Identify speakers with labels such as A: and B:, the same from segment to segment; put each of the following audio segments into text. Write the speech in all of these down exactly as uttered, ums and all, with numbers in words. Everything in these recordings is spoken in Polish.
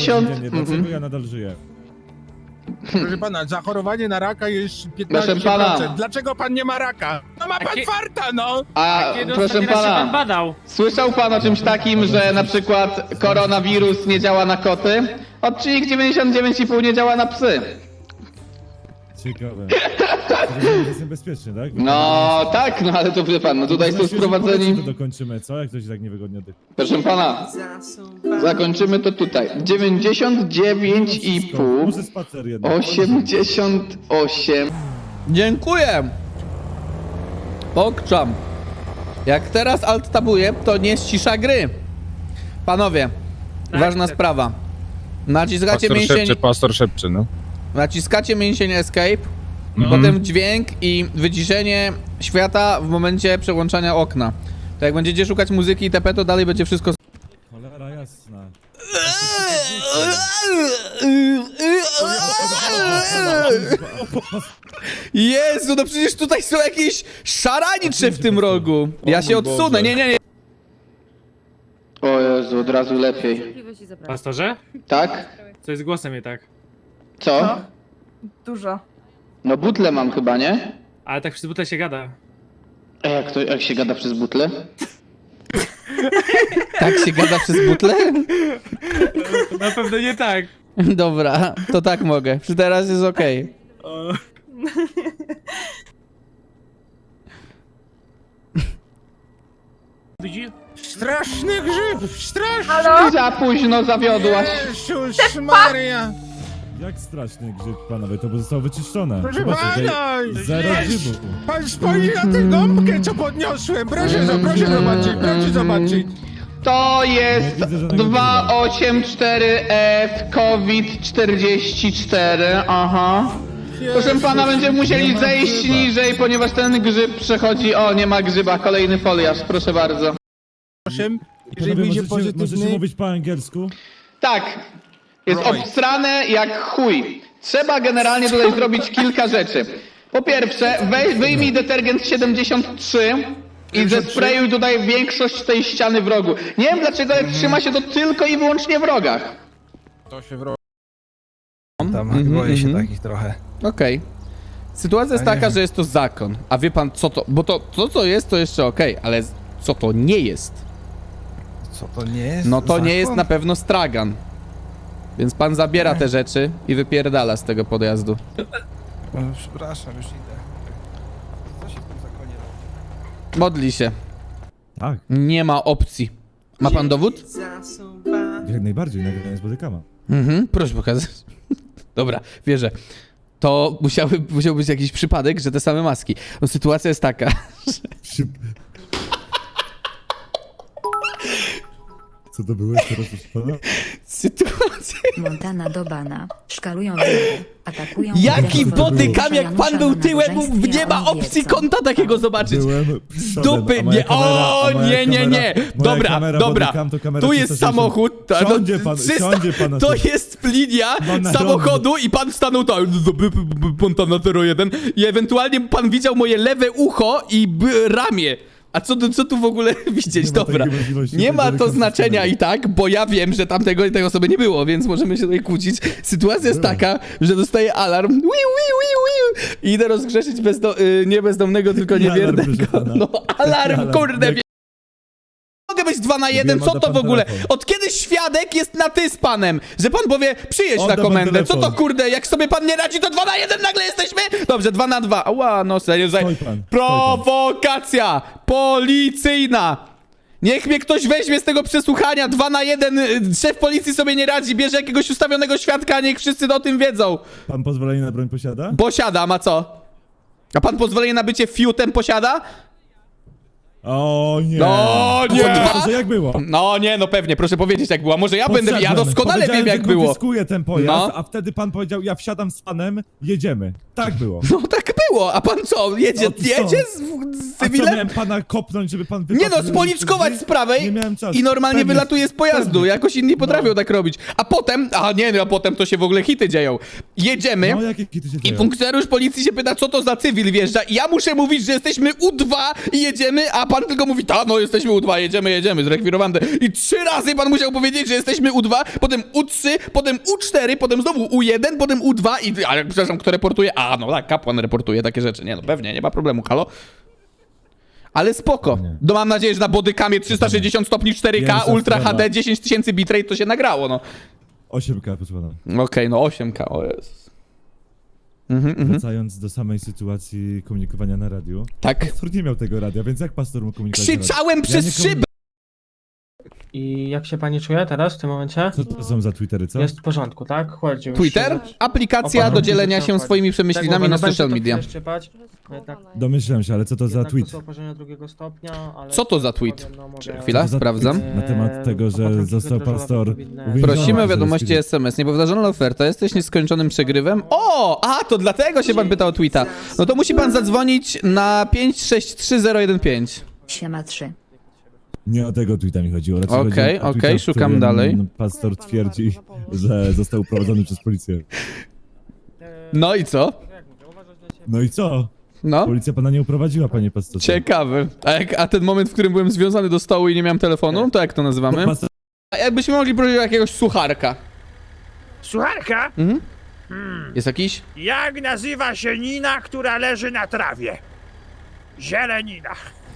A: dziewięćdziesiąt.
B: dziennie, dlaczego
A: Mhm.
B: ja nadal żyję?
C: Proszę pana, zachorowanie na raka jest
A: Proszę
C: piętnaście procent.
A: pana.
C: Dlaczego pan nie ma raka? No ma pan
D: Jakie-
C: farta, no!
A: A
D: Kiedy
A: proszę
D: ostatni raz się pan
A: pana,
D: badał?
A: słyszał pan o czymś takim, że na przykład koronawirus nie działa na koty? Odczynik dziewięćdziesiąt dziewięć i pół nie działa na psy.
B: Ciekawe. To jest niebezpieczny, tak?
A: No tak, no ale to wie pan, no tutaj są
B: Myślę, że po
A: sprowadzeni.
B: to dokończymy, co? Jak to się tak niewygodnie oddycha?
A: Proszę pana, zakończymy to tutaj. dziewięćdziesiąt dziewięć i pół.
B: Może spacer jednak.
A: osiemdziesiąt osiem. Dziękuję. Pokczam. Jak teraz alt tabuję, to nie ścisza gry. Panowie,
D: Tak,
A: ważna
D: tak.
A: sprawa. Naciskacie
C: Pastor
A: mięsień,
C: szepcze, pastor szepcze, no.
A: naciskacie mięsień escape,
C: Mhm.
A: potem dźwięk i wyciszenie świata w momencie przełączania okna. To jak będziecie szukać muzyki itp, to dalej będzie wszystko.
B: Cholera jasna.
A: Jezu, no przecież tutaj są jakieś szaranicze w tym rogu. Ja się odsunę, nie, nie, nie. O Jezu, od razu lepiej.
E: Cierpliwość i zapraszam.
D: Pastorze?
A: Tak?
D: Co jest głosem nie tak?
A: Co?
E: Dużo.
A: No butle mam chyba, nie?
D: Ale tak przy butle się gada.
A: A jak to, jak się gada przez butle? Tak się gada przez butle?
D: Na pewno nie tak.
A: Dobra, to tak mogę. Przy teraz jest okej.
D: Widzi?
C: Straszny grzyb! Straszny!
E: Halo?
A: Za późno zawiodłaś.
C: Jezus Maria!
B: Jak straszny grzyb, panowie, to zostało wyczyszczone.
C: Proszę
B: Zobaczcie, tutaj
C: pana!
B: zero
C: Jest-
B: grzybu.
C: Pan spojrzy na tę gąbkę, co podniosłem! Proszę, zo- proszę zobaczyć, proszę zobaczyć!
A: To jest
B: Nie widzę żadnego
A: dwieście osiemdziesiąt cztery F COVID czterdzieści cztery, aha. Proszę pana, będziemy musieli
B: nie ma
A: zejść
B: grzyba.
A: niżej, ponieważ ten grzyb przechodzi... O, nie ma grzyba, kolejny foliarz, proszę bardzo.
C: Osiem, jeżeli
B: Panowie,
C: wyjdzie
B: możecie, możecie
C: pozytywny...
B: mówić po angielsku?
A: Tak, jest
C: Right.
A: obstrane jak chuj. Trzeba generalnie tutaj zrobić kilka rzeczy. Po pierwsze, wej, wyjmij detergent siedemdziesiąt trzy i zesprejuj tutaj większość tej ściany w rogu. Nie wiem dlaczego, ale trzyma się to tylko i wyłącznie w rogach.
C: To się wro...
F: Tam boję się takich trochę.
A: Okej. Sytuacja jest taka, że jest to zakon. A wie pan co to... Bo to, to co jest, to jeszcze okej, ale co to nie jest?
F: Co to nie jest?
A: No to nie jest
F: Zakon?
A: na pewno stragan. Więc pan zabiera te rzeczy i wypierdala z tego podjazdu.
F: O, przepraszam, już idę. Co się w tym zakonie robi?
A: Modli się.
B: Tak,
A: Nie ma opcji. Ma pan dowód?
B: jak najbardziej, nagranie z bodykama.
A: Mhm, proszę pokazać. Dobra, wierzę. To musiały, musiał być jakiś przypadek, że te same maski. No sytuacja jest taka,
B: Szyb. Co to było jeszcze raz, proszę pana?
A: sytuacja...
G: Montana do bana. Szkalują wiele. Atakują
A: Jaki
G: wiele.
A: bodykam, jak pan
G: Janusza
A: był
G: na
A: tyłem,
G: nabożeństwie,
A: nie
G: a
A: ma
G: oni
A: opcji
G: wiedzą.
A: kąta takiego zobaczyć.
B: Byłem
A: Z
B: przodem,
A: dupy,
B: a moja
A: nie,
B: kamera-
A: o
B: a moja
A: nie, nie, nie.
B: kamera- moja
A: Dobra,
B: kamera
A: dobra.
B: bodycam to kamera
A: Tu jest
B: trzysta sześćdziesiąt.
A: samochód. ta- no,
B: Siądzie pan,
A: trzysta
B: siądzie pan na
A: To
B: tym.
A: jest linia
B: No na
A: samochodu i pan stanął tak, Montana zero jeden i ewentualnie pan widział moje lewe ucho i b- ramię. A co, tu- co tu w ogóle widzieć?
B: Nie ma
A: Dobra.
B: takiej możliwości,
A: Nie
B: to
A: ma to
B: delikatnie
A: znaczenia
B: wspomnieć.
A: i tak, bo ja wiem, że tamtego tej osoby nie było, więc możemy się tutaj kłócić. Sytuacja jest
B: Było.
A: taka, że dostaję alarm. Wiu, wiu, wiu, wiu. I idę rozgrzeszyć bezdo y, nie bezdomnego, tylko
B: Jaki alarm,
A: niewiernego.
B: proszę pana?
A: No alarm,
B: Jaki
A: kurde.
B: alarm?
A: wie- Mogę być dwa na jeden,
B: Wiem,
A: co
B: odda
A: to
B: pan
A: w ogóle?
B: telefon.
A: Od kiedy świadek jest na ty z panem? Że pan powie, przyjedź
B: Odda
A: na
B: pan
A: komendę. Co to
B: telefon.
A: kurde, jak sobie pan nie radzi, to dwa na jeden nagle jesteśmy? Dobrze, dwa na dwa. Ała, no serio. Za...
B: Stoi pan, stoi pan.
A: Prowokacja policyjna. Niech mnie ktoś weźmie z tego przesłuchania. Dwa na jeden. y, Szef policji sobie nie radzi, bierze jakiegoś ustawionego świadka, niech wszyscy o tym wiedzą.
B: Pan pozwolenie na broń posiada?
A: Posiadam, a co? A pan pozwolenie na bycie fiutem posiada?
B: O nie!
A: No
B: A
A: nie!
B: co, to, że jak było?
A: No nie, no pewnie, proszę powiedzieć jak było. Może ja będę, ja
B: Podszedłem.
A: doskonale
B: Powiedziałem,
A: wiem jak
B: że
A: było.
B: konfiskuję ten pojazd,
A: No.
B: a wtedy pan powiedział, ja wsiadam z panem, jedziemy. Tak było.
A: No tak było, a pan co, jedzie,
B: No to co?
A: jedzie z, z
B: A co,
A: cywilem?
B: miałem pana kopnąć, żeby pan
A: Nie
B: wypadł?
A: no, spoliczkować z prawej
B: Nie miałem czasu.
A: i normalnie
B: Pewnie,
A: wylatuje z pojazdu.
B: pewnie.
A: Jakoś inni potrafią
B: No.
A: tak robić. A potem, a nie, no a potem to się w ogóle hity dzieją. Jedziemy
B: No jakie kity się
A: i
B: dzieją?
A: funkcjonariusz policji się pyta, co to za cywil wjeżdża i ja muszę mówić, że jesteśmy U dwa i jedziemy, a pan pan tylko mówi, ta, no jesteśmy U dwa, jedziemy, jedziemy, zrekwirowany. I trzy razy pan musiał powiedzieć, że jesteśmy U dwa, potem U trzy, potem U cztery, potem znowu U jeden, potem U dwa i... Ale przepraszam, kto reportuje? A, no tak, kapłan reportuje takie rzeczy. Nie no, pewnie, nie ma problemu, halo? Ale spoko.
B: Nie.
A: No mam nadzieję, że na bodykamie trzysta sześćdziesiąt stopni cztery K,
B: Pierwsza
A: Ultra
B: sprawa.
A: H D, dziesięć tysięcy bitrate, to się nagrało, no.
B: osiem K, proszę pana.
A: Okej, no osiem K, o Jezus. Mhm, mhm.
B: Wracając do samej sytuacji komunikowania na radiu.
A: Tak.
B: Pastor nie miał tego radia, więc jak pastor mógł komunikować na radiu?
A: Krzyczałem przez
B: nie komu-
A: szybę!
E: I jak się pani czuje teraz, w tym momencie?
B: Co to są za Twittery, co?
E: Jest w porządku, tak? Chodź już.
A: Twitter? Aplikacja
E: Opa,
A: do
E: no,
A: dzielenia
E: widzę,
A: się
E: chodź.
A: swoimi przemyślinami
E: Tak,
A: na
E: mówię, no
A: social
E: będzie to
A: media.
E: chwilę szczypać, no jednak,
B: Domyślam się, ale co to za
E: jednak
B: tweet?
E: To są oparzenia drugiego stopnia, ale...
A: Co to za tweet?
E: powiem, no, może-
A: Chwila,
B: Co to za
A: sprawdzam.
B: tweet Na temat tego, że
E: Eee,
B: został
E: potrafi
B: pastor
E: odpowiednie-
B: uwięziony.
A: Prosimy o
B: Że
A: wiadomości
B: jest-
A: S M S. Niepowtarzalna oferta. Jesteś nieskończonym przegrywem? O! A, to dlatego się pan pytał o tweeta. No to musi pan zadzwonić na pięć sześć trzy zero jeden pięć.
G: Siema trzy.
B: Nie o tego tweeta mi chodziło. raczej
A: Okej,
B: chodzi o tweeta,
A: okej,
B: w
A: szukam
B: którym
A: dalej.
B: Pastor twierdzi, że został uprowadzony przez policję.
E: Eee,
A: No i co?
E: jak mówię, uważać na siebie.
B: No i co?
A: No?
B: Policja pana nie uprowadziła, panie pastorze.
A: Ciekawy. A, jak, a ten moment, w którym byłem związany do stołu i nie miałem telefonu, to jak to nazywamy?
B: Pastor...
A: A jakbyśmy mogli prosić o jakiegoś sucharka.
C: Słucharka?
A: Mhm. Jest jakiś?
C: Jak nazywa się Nina, która leży na trawie? Zielenina.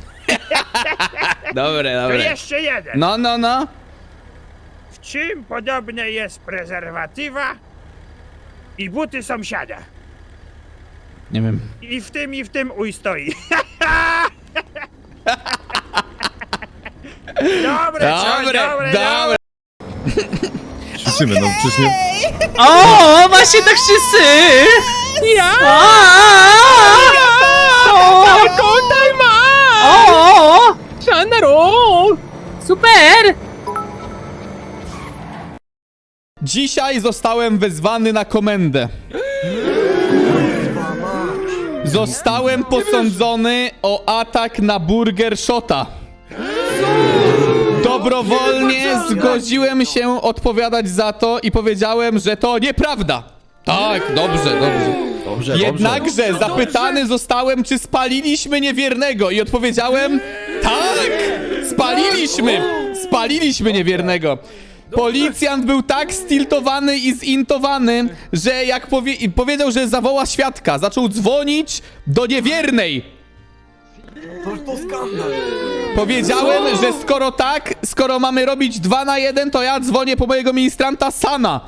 A: Dobre,
C: To
A: dobre.
C: jeszcze jeden.
A: No, no, no.
C: W czym podobne jest prezerwatywa i buty sąsiada?
A: Nie wiem.
C: I w tym, i w tym uj stoi. dobre, co?
A: Dobre,
C: dobre,
A: dobre.
F: Krzyczymy, no przecież nie...
D: O, właśnie tak wszyscy! Ja! Kontaj ma! O! Szanaro! Super!
A: Dzisiaj zostałem wezwany na komendę. Zostałem posądzony o atak na Burger Shota. Dobrowolnie zgodziłem się odpowiadać za to i powiedziałem, że to nieprawda. Tak, dobrze, dobrze.
F: Dobrze,
A: Jednakże zapytany zostałem, czy spaliliśmy niewiernego i odpowiedziałem, tak, spaliliśmy, spaliliśmy niewiernego. Policjant był tak stiltowany i zintowany, że jak powie i powiedział, że zawoła świadka, zaczął dzwonić do niewiernej. Powiedziałem, że skoro tak, skoro mamy robić dwa na jeden, to ja dzwonię po mojego ministranta Sana.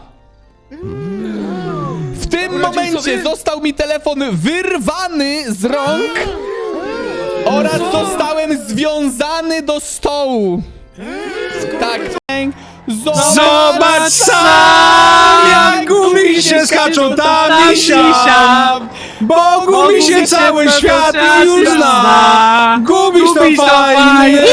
A: W tym momencie został mi telefon wyrwany z rąk oraz zostałem związany do stołu. Tak.
F: Zobacz sam, jak gubi się skaczą tam i siam. Bo gubi się cały świat i już zna. Gubisz to fajnie.